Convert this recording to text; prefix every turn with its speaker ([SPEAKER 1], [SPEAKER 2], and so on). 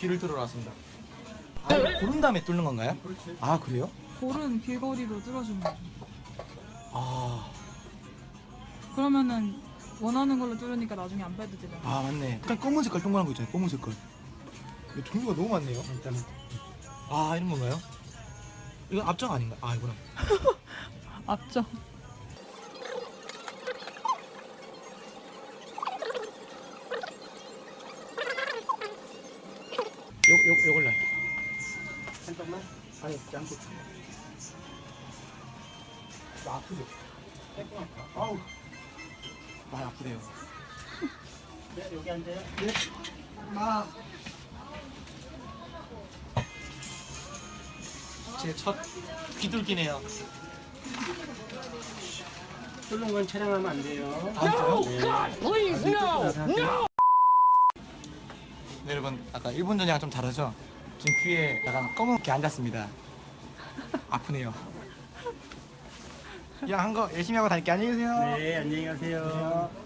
[SPEAKER 1] 귀를 뚫으러 왔습니다. 아, 이거 고른 다음에 뚫는 건가요?
[SPEAKER 2] 그렇지.
[SPEAKER 1] 아, 그래요?
[SPEAKER 3] 고른 길거리로 뚫어주는 거죠.
[SPEAKER 1] 아,
[SPEAKER 3] 그러면은 원하는 걸로 뚫으니까 나중에 안 빼도 되잖아.
[SPEAKER 1] 아 맞네. 약간 검은 색깔 동그란 거 있잖아요. 검은 색깔. 이거 종류가 너무 많네요.
[SPEAKER 2] 일단은
[SPEAKER 1] 아, 이런 건가요? 이건 앞장 아닌가? 아, 이거는.
[SPEAKER 3] 앞쪽.
[SPEAKER 1] 요걸로 할게요.
[SPEAKER 2] 한쪽만.
[SPEAKER 1] 아니, 양쪽. 나 아프죠? 아우, 많이 아프대요.
[SPEAKER 2] 네, 여기 앉아요.
[SPEAKER 1] 네. 아. 제 첫 귀뚫기네요.
[SPEAKER 2] 뚫는 건 촬영하면 안 돼요.
[SPEAKER 1] 아, 진짜요?
[SPEAKER 2] 네.
[SPEAKER 1] 네, 여러분, 아까 일본 전이랑 좀 다르죠? 지금 귀에 약간 검은게 앉았습니다. 아프네요. 그냥 한 거 열심히 하고 다닐게. 안녕히 계세요.
[SPEAKER 2] 네, 안녕히 가세요.